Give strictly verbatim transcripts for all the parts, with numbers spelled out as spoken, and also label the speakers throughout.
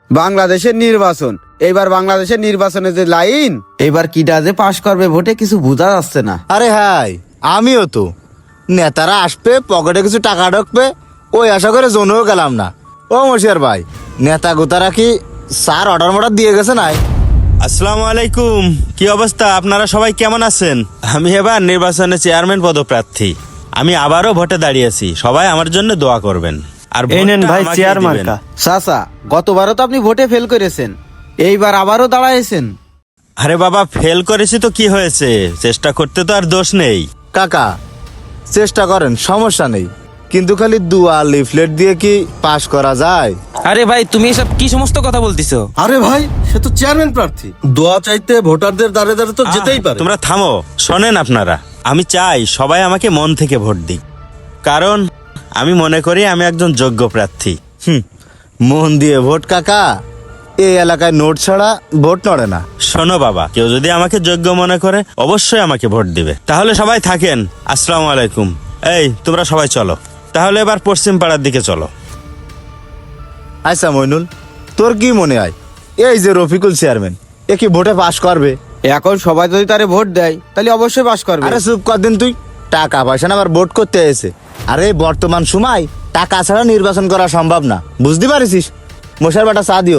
Speaker 1: বাংলাদেশের নির্বাচন, এইবার বাংলাদেশের নির্বাচনে যে লাইন, এবার কিটা যে পাশ করবে ভোটে কিছু বোঝা যাচ্ছে না।
Speaker 2: আরে হাই, আমিও তো নেতারা আসবে, পকেটে কিছু টাকা ঢুকবে, ওই আশা করে জোনেও গেলাম না। ও মশিয়ার ভাই, নেতা গোতারা কি স্যার অর্ডার মর্ডার দিয়ে গেছে নাই?
Speaker 3: আসসালামু আলাইকুম, কি অবস্থা? আপনারা সবাই কেমন আছেন? আমি এবার নির্বাচনে চেয়ারম্যান পদপ্রার্থী। আমি আবারও ভোটে দাঁড়িয়েছি, সবাই আমার জন্য দোয়া করবেন। আর
Speaker 4: এই নেন
Speaker 3: ভোটটা
Speaker 4: ভাই
Speaker 3: আমাকেই
Speaker 4: চেয়ার
Speaker 3: দিবেন।
Speaker 4: মার্কা।
Speaker 1: চাচা, গতবারও তো আপনি ভোটে ফেল করেছেন, এইবার আবারও দাঁড়াইছেন।
Speaker 3: আরে বাবা, ফেল করেছি তো কি হয়েছে, চেষ্টা করতে তো আর দোষ নেই।
Speaker 2: কাকা চেষ্টা করেন, সমস্যা নেই, কিন্তু খালি দুয়া লিফলেট দিয়ে কি পাশ করা যায়?
Speaker 5: আরে ভাই, তুমি এসব কি সমস্ত কথা বলতিছো?
Speaker 6: আরে ভাই, সে তো চেয়ারম্যান প্রার্থী, দোয়া চাইতে ভোটারদের দাঁড়ে দাঁড়ে তো যেতেই
Speaker 3: আহ,
Speaker 6: পারে।
Speaker 3: তোমরা থামো, শোনেন আপনারা, আমি চাই সবাই আমাকে মন থেকে ভোট দিক, কারণ আমি মনে করি আমি একজন যোগ্য প্রার্থী।
Speaker 2: হুম, মন দিয়ে ভোট কাকা, এই এলাকায় নোট ছাড়া ভোট নড়ে না।
Speaker 3: শোনো বাবা, কেউ যদি আমাকে যোগ্য মনে করে অবশ্যই আমাকে ভোট দিবে। তাহলে সবাই থাকেন। আসসালামু আলাইকুম। এই তোমরা সবাই চলো, তাহলে এবার পশ্চিম পাড়ার দিকে চলো।
Speaker 2: আচ্ছা মইনুল, তোর কি মনে হয় এই যে রফিকুল চেয়ারম্যান, এ কি ভোটে পাশ করবে?
Speaker 1: এখন সবাই যদি তারে ভোট দেয় তাহলে অবশ্যই পাশ করবে।
Speaker 2: আরে চুপ কর দিন তুই, টাকা পয়সা না আবার ভোট করতে এসে। আরে বর্তমান সময় টাকা ছাড়া নির্বাচন করা সম্ভব না, বুঝতে পারিস? মশার বাটা চা দিও।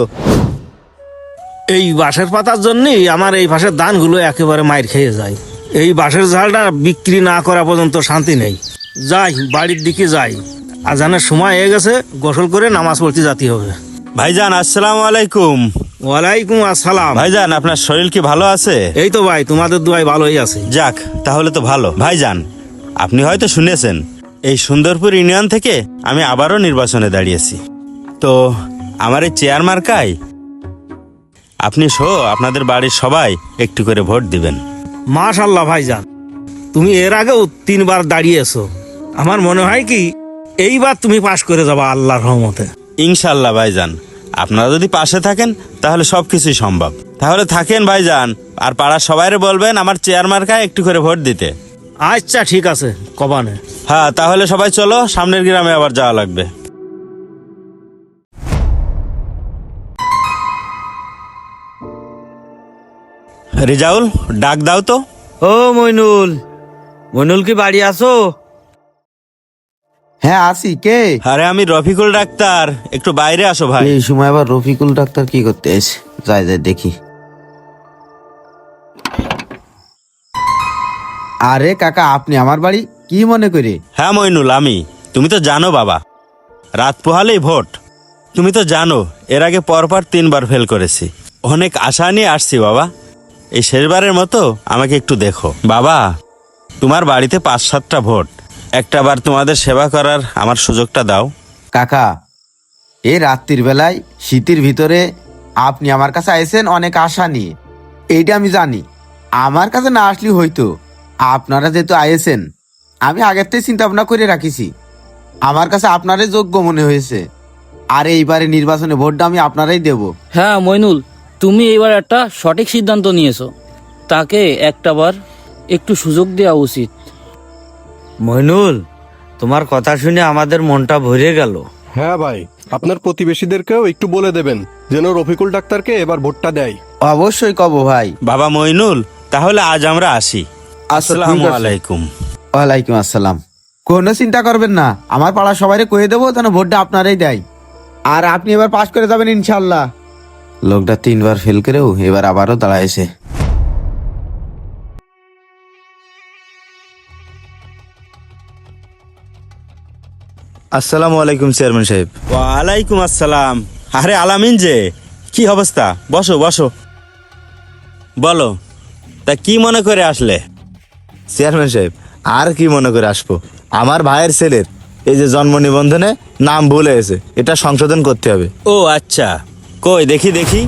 Speaker 4: এই বাঁশের পাতার জন্যই আমার এই বাঁশের ধানগুলো একেবারে মাইর খেয়ে যায়। এই বাঁশের ঝালটা বিক্রি না করা পর্যন্ত শান্তি নেই। যাই, বাড়ির দিকে যাই, আজানের সময় হয়ে গেছে, গোসল করে নামাজ পড়তে যেতে হবে।
Speaker 3: ভাইজান আসসালামু আলাইকুম।
Speaker 4: ওয়ালাইকুম আসসালাম।
Speaker 3: ভাইজান, আপনার শরীর কি ভালো আছে?
Speaker 4: এই তো ভাই, তোমাদের দুয়াই ভালোই আছে।
Speaker 3: যাক, তাহলে তো ভালো। ভাইজান, আপনি হয়তো শুনেছেন এই সুন্দরপুর ইউনিয়ন থেকে আমি আবারও নির্বাচনে দাঁড়িয়েছি। তো আমার এই চেয়ার মার্কায় আপনি সহ আপনাদের বাড়ির সবাই একটু করে ভোট দিবেন।
Speaker 4: মাশাল্লাহ ভাইজান, তুমি এর আগেও তিনবার দাঁড়িয়েছো, আমার মনে হয় কি এইবার তুমি পাশ করে যাবা আল্লাহর রহমতে।
Speaker 3: ইনশাল্লাহ ভাইজান, আপনারা যদি পাশে থাকেন তাহলে সবকিছুই সম্ভব। তাহলে থাকেন ভাইজান, আর পাড়ার সবাইরে বলবেন আমার চেয়ার মার্কায় একটু করে ভোট দিতে।
Speaker 4: আচ্ছা ঠিক আছে, কবানে।
Speaker 3: হ্যাঁ, তাহলে সবাই চলো, সামনের গ্রামে আবার যাওয়া লাগবে। রিজাউল, ডাক দাও তো।
Speaker 1: ও মইনুল, মইনুল কি বাড়ি আছো? হ্যাঁ আসি। কে?
Speaker 3: আরে আমি রফিকুল ডাক্তার, একটু বাইরে আসো ভাই।
Speaker 1: এই সময় আবার রফিকুল ডাক্তার কি করতে এসে? যাই যাই দেখি। আরে কাকা, আপনি আমার বাড়ি কি মনে করে?
Speaker 3: হ্যাঁ মইনুল, আমি। তুমি তো জানো বাবা, রাত পোহালেই ভোট। তুমি তো জানো এর আগে পরপর তিনবার ফেল করেছি। অনেক আশা নিয়ে আসছি বাবা, এই শেষবারের মতো আমাকে একটু দেখো বাবা। তোমার বাড়িতে পাঁচ সাতটা ভোট, একটা বার তোমাদের সেবা করার আমার সুযোগটা দাও।
Speaker 1: কাকা, এই রাত্রির বেলায় শীতের ভিতরে আপনি আমার কাছে আইছেন অনেক আশা নিয়ে, এইটা আমি জানি। আমার কাছে না আসলেই হয়তো, আপনারা যেহেতু আইছেন আমি আগের থেকে চিন্তা ভাবনা করে রাখিছি। আমার কাছে আপনারই যোগ্য মনে হয়েছে, আর এইবারে নির্বাচনে ভোটটা আমি আপনারাই দেব।
Speaker 7: হ্যাঁ মইনুল, তুমি এইবার একটা সঠিক সিদ্ধান্ত নিয়েছো, তাকে একটাবার একটু সুযোগ দেওয়া উচিত।
Speaker 4: মইনুল, তোমার কথা শুনে আমাদের মনটা ভরে গেল।
Speaker 6: হ্যাঁ ভাই, আপনার প্রতিবেশীদেরকেও একটু বলে দেবেন যেন রফিকুল ডাক্তারকে এবার ভোটটা দেয়।
Speaker 1: অবশ্যই কব ভাই।
Speaker 3: বাবা মইনুল, তাহলে আজ আমরা আসি। আসসালামু আলাইকুম।
Speaker 1: ওয়ালাইকুম আসসালাম। কোনো চিন্তা করবেন না, আমার পাড়া সবাই কয়ে দেবো যেন ভোটটা আপনারাই দেয়, আর আপনি এবার পাশ করে যাবেন ইনশাল্লাহ। লোকটা তিনবার ফেল করেও এবার আবারও দাঁড়াইছে।
Speaker 2: আসসালামু আলাইকুম চেয়ারম্যান সাহেব।
Speaker 3: ওয়ালাইকুম আসসালাম। আরে আলামিন যে, কি অবস্থা? বসো বসো, বলো তা কি মনে করে আসলে?
Speaker 2: চেয়ারম্যান সাহেব, আর কি মনে করে আসবো, আমার ভাইয়ের ছেলের এই যে জন্ম নিবন্ধনে নাম ভুল হয়েছে, এটা সংশোধন করতে হবে।
Speaker 3: ও আচ্ছা, কই দেখি দেখি।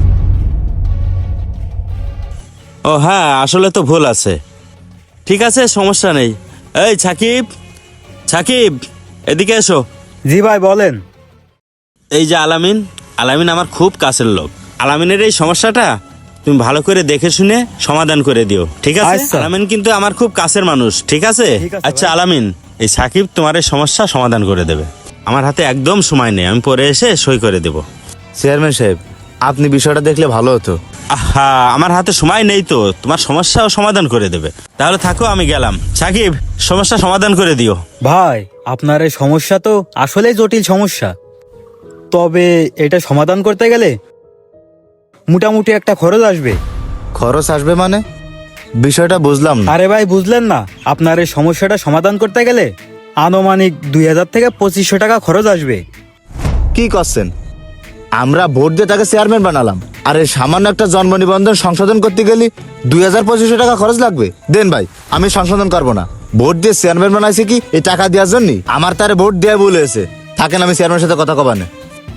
Speaker 3: ও হ্যাঁ, আসলে তো ভুল আছে। ঠিক আছে, সমস্যা নেই। এই সাকিব, সাকিব এদিকে এসো।
Speaker 4: জি ভাই বলেন।
Speaker 3: এই যে আলামিন, আলামিন আমার খুব কাছের লোক। আলামিনের এই সমস্যাটা তুমি ভালো করে দেখে শুনে সমাধান করে দিও, ঠিক আছে?
Speaker 4: আচ্ছা।
Speaker 3: আলামিন কিন্তু আমার খুব কাছের মানুষ, ঠিক আছে? আচ্ছা আলামিন, এই সাকিব তোমার এই সমস্যা সমাধান করে দেবে। আমার হাতে একদম সময় নেই, আমি পরে এসে সই করে দেব।
Speaker 2: চেয়ারম্যান সাহেব, আপনি বিষয়টা দেখলে ভালো হতো।
Speaker 3: আহা, আমার হাতে সময় নেই তো, তোমার সমস্যাও সমাধান করে দেবে। তাহলে থাকো, আমি গেলাম। সাকিব, সমস্যা সমাধান করে দিও।
Speaker 8: ভাই, আপনার এই সমস্যা তো আসলেই জটিল সমস্যা। তবে এটা সমাধান করতে গেলে মোটামুটি একটা খরচ আসবে।
Speaker 2: খরচ আসবে মানে? বিষয়টা বুঝলাম না।
Speaker 8: আরে ভাই, বুঝলেন না? আপনার এই সমস্যাটা সমাধান করতে গেলে আনুমানিক দুই হাজার থেকে পঁচিশশো টাকা খরচ আসবে।
Speaker 2: কি করছেন? আমরা ভোট দিয়ে তাকে চেয়ারম্যান বানালাম, আর এই সামান্য একটা জন্ম নিবন্ধন সংশোধন করতে গেলে দুই হাজার পঁচিশশো টাকা খরচ লাগবে? দেন ভাই, আমি সংশোধন করবো না। ভোট দিয়ে চেয়ারম্যান বানাইছে কি এই টাকা দেওয়ার জন্য? আমার তারে ভোট দেওয়া ভুল হয়েছে। থাকেন, আমি চেয়ারম্যানের সাথে কথা কবানে।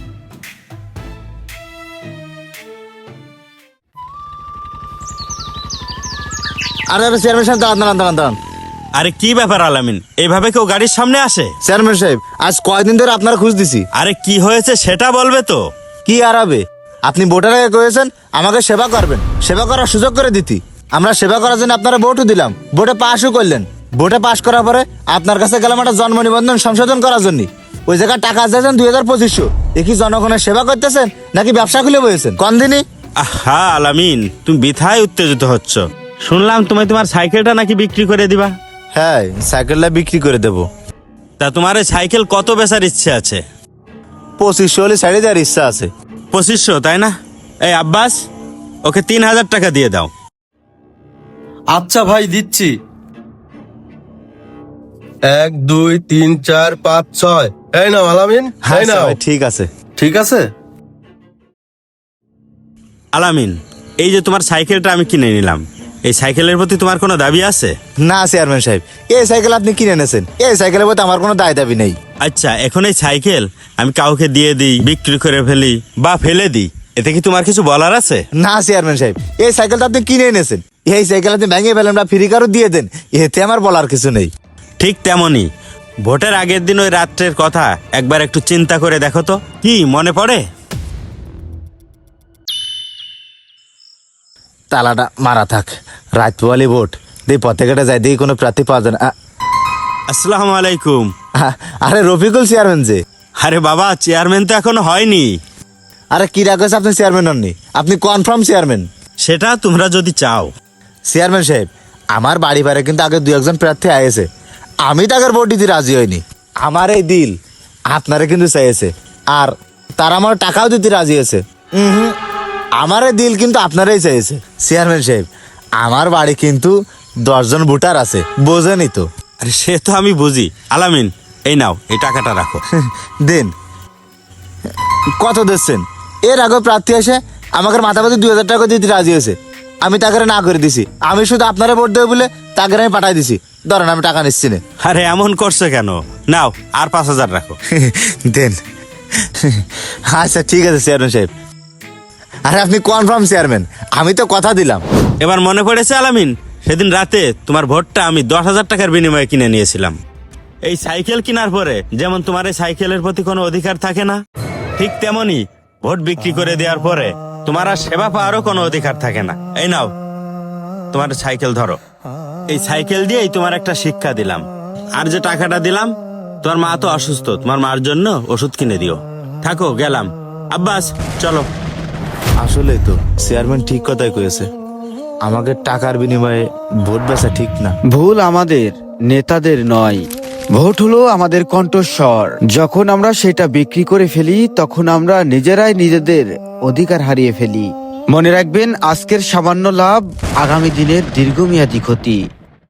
Speaker 2: আরে আরে চেয়ারম্যান সাহেব, দাঁড়ান দাঁড়ান দাঁড়ান দাঁড়ান।
Speaker 3: আরে কি ব্যাপার আলামিন, এইভাবে কেউ গাড়ির সামনে আসে?
Speaker 2: চেয়ারম্যান সাহেব, আজ কয়দিন ধরে আপনারা খুঁজ দিছি।
Speaker 3: আরে কি হয়েছে সেটা বলবে তো।
Speaker 2: কি আরাবে? আপনি ভোটার আগে কয়েছেন আমাকে সেবা করবেন, সেবা করার সুযোগ করে দিতি। আমরা সেবা করার জন্য আপনারা ভোটও দিলাম, ভোটে পাশও করলেন। ভোটে পাশ করার পরে আপনার কাছে গেলাম একটা জন্ম নিবন্ধন সংশোধন করার জন্য। ওই জায়গায় টাকা চাইছেন দুই হাজার পঁচিশশো। এ কি জনগণের সেবা করতেছেন নাকি ব্যবসা খুলে বসেছেন? কোন দিনই?
Speaker 3: আহা আলামিন, তুমি বৃথায় উত্তেজিত হচ্ছ। শুনলাম তুমি তোমার সাইকেলটা নাকি বিক্রি করে দিবা।
Speaker 2: হ্যাঁ, সাইকেলটা বিক্রি করে দেবো।
Speaker 3: তা তোমার এই সাইকেল কত বেচার ইচ্ছে আছে?
Speaker 2: পঁচিশশো হলে সাইডে দেওয়ার ইচ্ছা আছে।
Speaker 3: পঁচিশশো, তাই না? এই আব্বাস, ওকে তিন হাজার টাকা দিয়ে দাও।
Speaker 6: আচ্ছা ভাই, দিচ্ছি। এক দুই তিন চার পাঁচ ছয়। এই নাও আলামিন, এই
Speaker 2: আচ্ছা
Speaker 6: নাও।
Speaker 2: ভাই, ঠিক আছে।
Speaker 6: ঠিক আছে।
Speaker 3: আলামিন, এই যে তোমার সাইকেলটা আমি কিনে নিলাম, এই সাইকেলের প্রতি তোমার কোনো দাবি আছে?
Speaker 2: না চেয়ারম্যান সাহেব, এই সাইকেল আপনি কিনে এনেছেন, এই সাইকেলের প্রতি আমার কোনো দায় দাবি নেই।
Speaker 3: আচ্ছা, এখন এই সাইকেল আমি কাউকে দিয়ে দিই, বিক্রি করে ফেলি বা ফেলে দিই, এতে কি তোমার কিছু বলার আছে?
Speaker 2: না চেয়ারম্যান সাহেব, এই সাইকেলটা আপনি কিনে এনেছেন, এই সাইকেল আপনি ভেঙে ফেলেন বা ফ্রি কারও দিয়ে দেন, এতে আমার বলার কিছু নেই।
Speaker 3: ঠিক তেমনই ভোটের আগের দিন ওই রাত্রের কথা একবার একটু চিন্তা করে দেখো তো, কি মনে পড়ে?
Speaker 2: তালাটা মারা থাক, রাত পোয়ালি ভোট দিয়ে পথে ঘাটে যায়, দিয়ে কোনো প্রার্থী পাওয়া যায় না। আ-
Speaker 3: আসসালামু আলাইকুম।
Speaker 2: আ- আরে রফিকুল চেয়ারম্যান যে।
Speaker 3: আরে বাবা, চেয়ারম্যান তো এখনো হয়নি।
Speaker 2: আরে কি রাখেছে, আপনি চেয়ারম্যান হননি, আপনি কনফার্ম চেয়ারম্যান।
Speaker 3: সেটা তোমরা যদি চাও।
Speaker 2: চেয়ারম্যান সাহেব, আমার বাড়ি বাড়ি কিন্তু আগে দু একজন প্রার্থী আয়েছে, আমি তাকে ভোট দিতে রাজি হইনি। আমার এই দিল আপনারা কিন্তু চাইছে, আর তারা আমার টাকাও দিতে রাজি হয়েছে। হুম, আমার এই দিল কিন্তু আপনারাই চাইছে। চেয়ারম্যান সাহেব, আমার বাড়ি কিন্তু দশজন ভোটার আছে, বোঝেনি তো।
Speaker 3: আরে সে তো আমি বুঝি। আলামিন, এই নাও, এই টাকাটা রাখো।
Speaker 2: দেন। কত দিচ্ছেন? এর আগে প্রার্থী এসে আমাকে মাথা পাতি দুই হাজার টাকা দিতে রাজি হয়েছে, আমি তাকে না করে দিছি। আমি শুধু আপনারা ভোট দেবো বলে তাকে আমি পাঠাই দিছি। ধরেন, আমি টাকা নিচ্ছি না।
Speaker 3: আরে এমন করছো কেন? নাও, আর পাঁচ হাজার রাখো।
Speaker 2: দেন। আচ্ছা ঠিক আছে চেয়ারম্যান সাহেব। আরে আপনি কনফার্ম চেয়ারম্যান, আমি তো কথা দিলাম।
Speaker 3: এবার মনে পড়েছে আলামিন, সেদিন রাতে তোমার ভোটটা আমি দশ হাজার টাকার বিনিময়ে কিনে নিয়েছিলাম। এই সাইকেল কেনার পরে যেমন তোমার এই সাইকেলের প্রতি কোনো অধিকার থাকে না, ঠিক তেমনি ভোট বিক্রি করে দেওয়ার পরে তোমার আর সেবা পাওয়ারও কোনো অধিকার থাকে না। এই নাও, তোমার সাইকেল ধরো। এই সাইকেল দিয়েই তোমার একটা শিক্ষা দিলাম। আর যে টাকাটা দিলাম, তোমার মা তো অসুস্থ, তোমার মার জন্য ওষুধ কিনে দিও। থাকো, গেলাম। আব্বাস, চলো।
Speaker 2: আসলেই তো চেয়ারম্যান ঠিক কথাই কয়েছে, আমাকে টাকার বিনিময়ে ভোট বেচা ঠিক না।
Speaker 1: ভুল আমাদের, নেতাদের নয়। ভোট হলো আমাদের কণ্ঠস্বর। যখন আমরা সেটা বিক্রি করে ফেলি, তখন আমরা নিজেরাই নিজেদের অধিকার হারিয়ে ফেলি। মনে রাখবেন, আজকের সামান্য লাভ আগামী দিনের দীর্ঘমেয়াদী ক্ষতি।